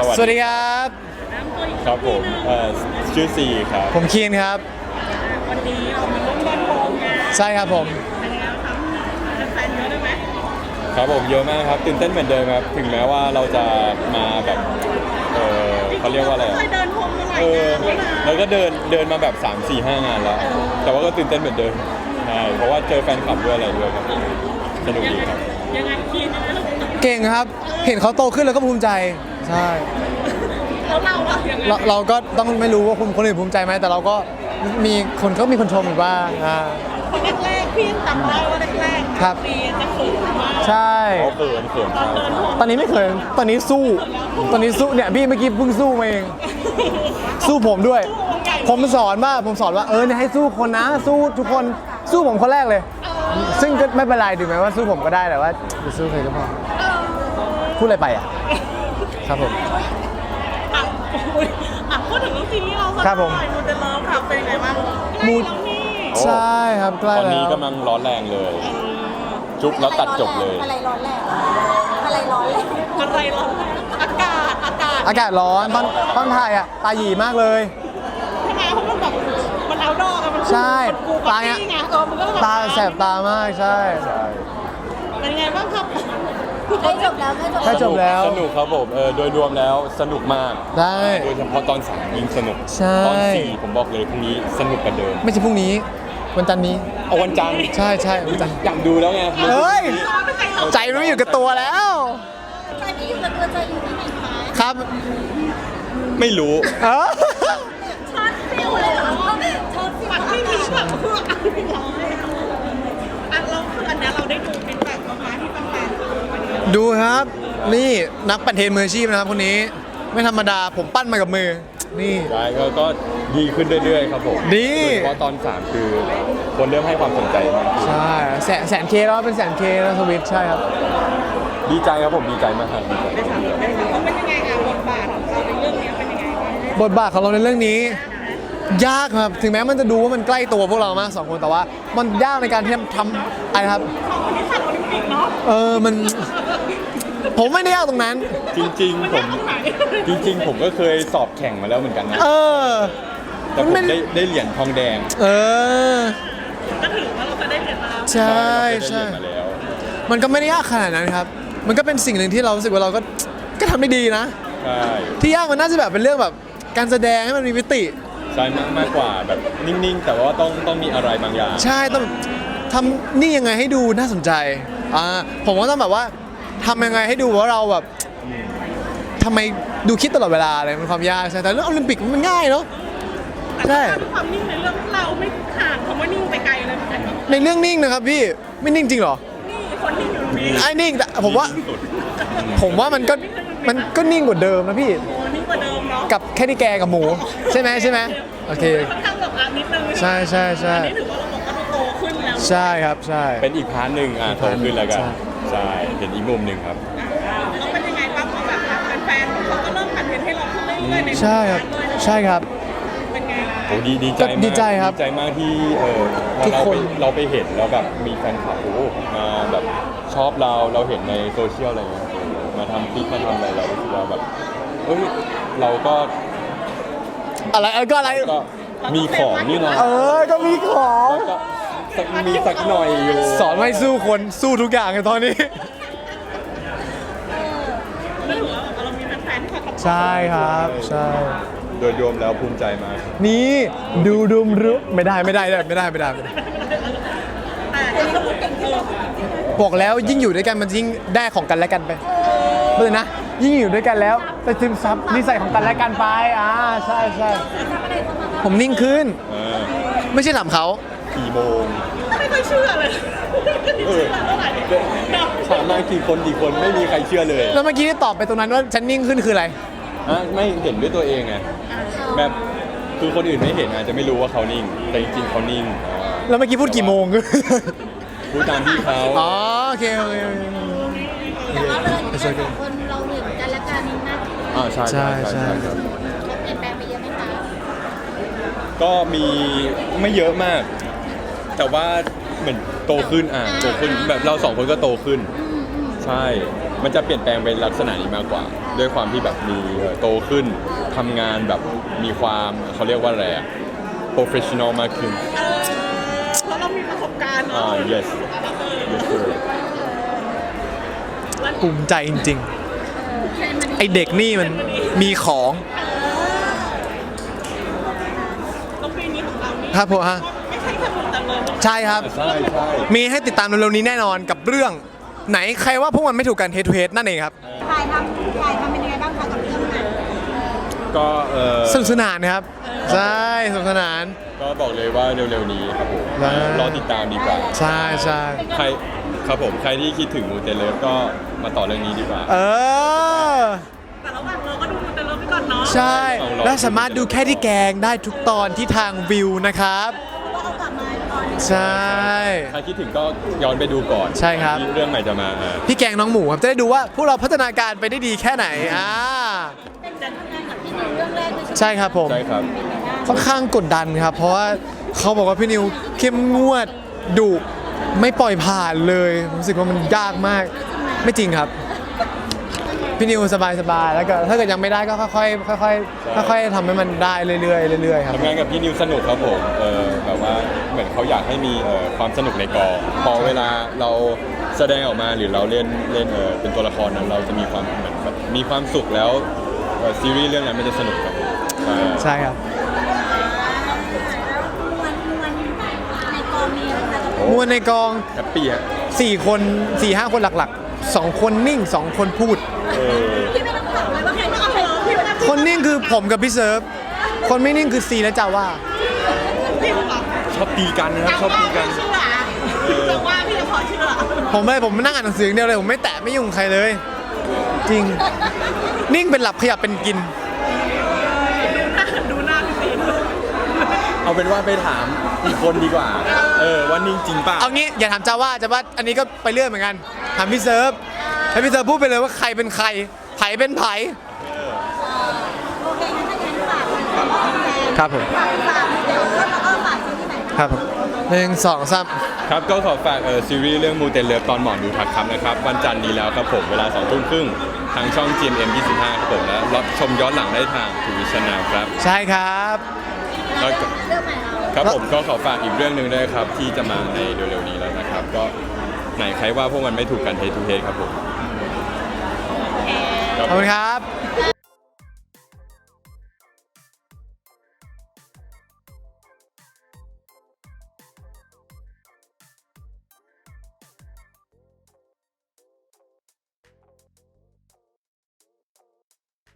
สวัสดีครับครับผมชื่อซีครับผมคีนครับวันนี้เรามาร่วมกันโฮมงานใช่ครับผมเป็นไงครับแฟนเยอะได้ไหมครับผมเยอะมากครับตื่นเต้นเหมือนเดิมครับถึงแม้ว่าเราจะมาแบบเขาเรียกว่าอะไรเคยเดินโฮมมาหลายเอองานแล้วนะเราก็เดินมาแบบ 3-4-5 งานแล้ว แต่ว่าก็ตื่นเต้นเหมือนเดิมใช่เพราะว่าเจอแฟนคลับด้วยอะไรด้วยครับสนุกดีครับยังไงคีนยังไงลูกเก่งครับ เห็นเขาโตขึ้นแล้วก็ภูมิใจ ใช่แล้วเราอะยังไงเราก็ต้องไม่รู้ว่าคนอื่นภูมิใจไหมแต่เราก็มีคนชมอยู่บ้างคนแรกๆพี่จำได้ว่าแรกๆครับปีจะเขินมากใช่เขาเขินตอนเดินโฮมตอนนี้ไม่เคยตอนนี้สู้เนี่ยพี่เมื่อกี้เพิ่งสู้มาเอง สู้ผมด้วย ผมสอนว่าเนี่ยให้สู้คนนะสู้ทุกคนสู้ผมคนแรกเลย ซึ่งก็ไม่เป็นไรถึงแม้ว่าสู้ผมก็ได้แต่ว่าอย่าสู้ใครก็พอพูดอะไรไปอ่ะครับผมอ่ะอุ๊ยอ่ะพูดถึงเรื่องซีรีส์เราสักครับผมหน่อยมูเดลเลิฟครับเป็นยังไงบ้างใกล้แล้วนี่ใช่ครับใกล้ตอนแล้นี้วกำลังร้อนแรงเลย จุ๊บแล้วตัดจบเลยอะไรร้อนแรงอะไรร้อนแรงอะไรเราอากาศอากาศร้อนตอนถ่ายอ่ะตาหยีมากเลยใช่ไหมเพราะมันแบบมันเอาดอกอะมันใช่กูตาปาร์เนี่ยตี้ไงมันก็แบบตาแสบตามากใช่เป็นไงบ้างครับใกล้จบแล้วใกล้จบแล้วสนุกครับผมโดยรวมแล้วสนุกมากได้โดยเฉพาะตอน3ยิ่งสนุกใช่ตอน4ผมบอกเลยพรุ่งนี้สนุกกว่าเดิมไม่ใช่พรุ่งนี้วันจันทร์นี้เอาวันจันทร์ใช่วันจันทร์อยากดูแล้วไงเฮ้ยใจมันไม่อยู่กับตัวแล้วใจไม่อยู่กับตัวใจอยู่ที่ไหนคะครับไม่รู้เออช็อตฟิวเลยเหรอช็อตฟิวปัดไม่มีแบบเพื่อเอาไปร้อยอันเราคืออันเนี้ยเราได้ดูเป็นแบบประมาณที่แฟนๆดูวันนี้ดูครับ นี่นักปั่นเทรนมืออาชีพนะครับคนนี้ไม่ธรรมดาผมปั้นมากับมือ นี่ใช่ก็ดีขึ้นเรื่อยๆครับผมดีโดยเฉพาะตอน 3 คือคนเริ่มให้ความสนใจมากขึ้นใช่แสนเคแล้วเป็นแสนเคแล้วสวิตใช่ครับดีใจครับผมดีใจมากครับดีใจเขาเป็นยังไงอะบทบาทของเราในเรื่องนี้เป็นยังไงบ้างบทบาทของเราในเรื่องนี้ ยากครับถึงแม้มันจะดูว่ามันใกล้ตัวพวกเรามากสองคนแต่ว่า มันยากในการที่ทำอะไรครับของคนที่ขัดโอลิมปิกเนาะมันผมไม่ได้ยากตรงนั้นจริงมันๆ ผยากมตรงไหนจริง ๆ ผมก็เคยสอบแข่งมาแล้วเหมือนกันนะเออแต่ผมได้เหรียญทองแดงเออก็ถือว่าเราจะได้เห็นมาแล้วใช่เราใช่เคยได้เหรียญมาแล้วมันก็ไม่ได้ยากขนาดนั้นครับ มันก็เป็นสิ่งหนึ่งที่เรารู้สึกว่าเราก็ทำได้ดีนะใช่ที่ยากมันน่าจะแบบเป็นเรื่องแบบการแสดงให้มันมีมิติใช่มากกว่าแบบนิ่งๆ แต่ว่าต้องมีอะไรบางอย่างใช่ต้องทำนี่ยังไงให้ดูน่าสนใจผมก็ต้องแบบว่าทำยังไงให้ดูว่าเราแบบทำไมดูคิดตลอดเวลาอะไรมันความยากใช่แต่เรื่องโอลิมปิกมันง่ายเนาะแต่ใช่ถ้าความนิ่งในเรื่องเราไม่ห่างคำว่านิ่งไปไกลเลยเหมือนกันในเรื่องนิ่งนะครับพี่ไม่นิ่งจริงเหรอนี่คนนิ่งอยู่ตรงนี้ไอ้นิ่งแต่ผมว่าที่สุดมันก็นิ่งกว่าเดิมนะพี่โอ้นิ่งกว่าเดิมเนาะกับแค่ที่แกกับหมูใช่ไหมโอเคค่อนข้างแบบนิดนึงใช่อันนี้ถือว่าเราบอกว่าเราโตขึ้นแล้วใช่ครับใช่เป็นอีกพาร์ทหนึ่งโตขึ้นแล้วกันใช่ใช่เป็นอีกมุมหนึ่งครับแล้วเป็นยังไงบ้างเพราะแบบแฟนๆเขาก็เริ่มผ่านเทรนให้เราขึ้นเรื่อยๆในใช่ครับใช่ครับเป็นไงล่ะโอ้ดีใจก็มากดีใจครับดีใจมากที่พอทุกคนเราไปเห็นแล้วแบบมีแฟนคลับมาแบบชอบเราเห็นในโซเชียลอะไรเงี้ยมาทำคลิปมาทำอะไรเรารู้สึกว่าแบบเอ้ยเราก็อะไรก็อะไรก็มีของนี่นะก็มีของแล้วก็มีสักหน่อยอยู่สอนไม่สู้คนสู้ทุกอย่างในตอนนี้ก็ถือว่าเรามีแฟนๆที่คอยขับใช่ครับใช่โดยรวมแล้วภูมิใจมากนี่ดูดุมรุไม่ได้แต่ก็คือบอกแล้วยิ่งอยู่ด้วยกันมันยิ่งได้ของกันและกันไปเลยนะ ยิ่งอยู่ด้วยกันแล้วไปซึมซับนิสัยของกันและกันไปใช่ผมนิ่งขึ้น ไม่ใช่ถามเขากี่โมงไม่ค่อยเชื่อเลยเออเท่าไหร่เนาะถามมากี่คนไม่มีใครเชื่อเลยแล้วเมื่อกี้ที่ตอบไปตรงนั้นว่าฉันนิ่งขึ้นคืออะไรไม่เห็นด้วยตัวเองไงแบบคือคนอื่นไม่เห็นอาจจะไม่รู้ว่าเขานิ่ง แต่จริงๆเขานิ่งแล้วเมื่อกี้พูดกี่โมงพูดตามที่เขาอ๋อโอเคแต่ว่าเลยสองคนเราเห็นกันและกันมากขึ้นใช่ใช่ครับเขาเปลี่ยนแปลงไปเยอะไหมคะก็มีไม่เยอะมาก แต่ว่าเหมือนโตขึ้นโตขึ้นแบบเราสองคนก็โตขึ้น ใช่มันจะเปลี่ยนแปลงเป็นลักษณะนี้มากกว่า ด้วยความที่แบบมีโตขึ้นทำงานแบบมีความเขาเรียกว่าอะไรอะ professional มากขึ้นเพราะเรามีประสบการณ์เนาะ yes yes sir ภูมิใจจริงๆ ไอเด็กนี่มันมีของต้องปีนี้ของเรานี่ครับผมฮะไม่ใช่แค่ผมแต่เลยใช่ครับใช่ใช่มีให้ติดตามเร็วๆนี้แน่นอนกับเรื่องไหนใครว่าพวกมันไม่ถูกกัน Head to Head นั่นเองครับถ่ายทำเป็นยังไงบ้างคะกับเรื่องนั้นก็สนุกสนานนะครับ ใช่สนุกสนานก็บอกเลยว่าเร็วๆนี้ครับผมใช่รอติดตามดีกว่าใช่ใช่ใครครับผมใครที่คิดถึงมูเตเลิฟก็มาต่อเรื่องนี้ดีกว่าเออแต่ระหว่างเราก็ดูแต่เราไปก่อนเนาะใช่ และสามารถดูแค่ที่แกงได้ทุกตอนที่ทางวิวนะครับเพราะว่าเอากลับมาตอนใช่ใครคิดถึงก็ย้อนไปดูก่อนใช่ครับที่เรื่องใหม่จะมาพี่แกงน้องหมูครับจะได้ดูว่าพวกเราพัฒนาการไปได้ดีแค่ไหนเป็นการทำงานกับพี่นิวเรื่องแรกด้วยใช่ครับผมใช่ครับค่อนข้างกดดันครับ เพราะว่าเขาบอกว่าพี่นิวเข้มงวดดุไม่ปล่อยผ่านเลยรู้สึกว่ามันยากมากไม่จริงครับ พี่นิวสบายๆแล้วก็ถ้าเกิดยังไม่ได้ก็ค่อยๆค่อยๆทำให้มันได้เรื่อยๆเรื่อยๆครับทำงานกับพี่นิวสนุกครับผมแบบว่าเหมือนเขาอยากให้มีความสนุกในกองพอเวลาเราแสดงออกมาหรือเราเล่นเป็นตัวละครนั้นเราจะมีความเหมือนแบบมีความสุขแล้วซีรีส์เรื่องนั้นมันจะสนุกครับผมใช่ใช่ครับในกองมีอะไรคะมวลในกองแฮปปี้ฮะ 4 คน 4-5 คนหลักๆ 2 คนนิ่ง 2 คนพูดพี่ไม่ต้องถามเลยว่าใครไม่เอาเลยพี่ไม่ต้องคนนิ่งคือผมกับพี่เซิร์ฟ คนไม่นิ่งคือซีและจาว่าพี่บอกชอบตีกันนะครับชอบตีกันเชื่อแต่ว่าพี่จะพอเชื่อผมนั่งอ่านหนังสืออย่างเดียวเลย ผมไม่แตะไม่ยุ่งใครเลย จริง นิ่งเป็นหลับขยับเป็นกินดูหน้าพี่ซีนเอาเป็นว่าไปถามอีกคนดีกว่าว่านิ่งจริงเปล่าเอางี้อย่าถามจาว่าอันนี้ก็ไปเรื่อยเหมือนกัน ถามพี่เซิร์ฟให้พี่เซิร์ฟพูดไปเลยว่าใครเป็นใครไผเป็นไผโอเคงั้นถ้าอย่างนั้นฝากเลยฝากแฟนครับผมฝากเดี๋ยวแล้วก็ฝากที่ไหนครับผม1 2 3 ครับก็ขอฝากซีรีส์เรื่องมูเตเลิฟตอนหมอนดูทักครับนะครับวันจันทร์นี้แล้วครับผมเวลา 20:30 ทางช่อง GMM 25ครับผมและรับชมย้อนหลังได้ทางทูวิชนาครับใช่ครับแล้วก็เรื่องใหม่เราครับผมก็ขอฝากอีกเรื่องหนึ่งด้วยครับที่จะมาในเร็วๆนี้แล้วนะครับ ก็ไหนใครว่าพวกมันไม่ถูกกันเททูเทครับผมขอบคุณครับ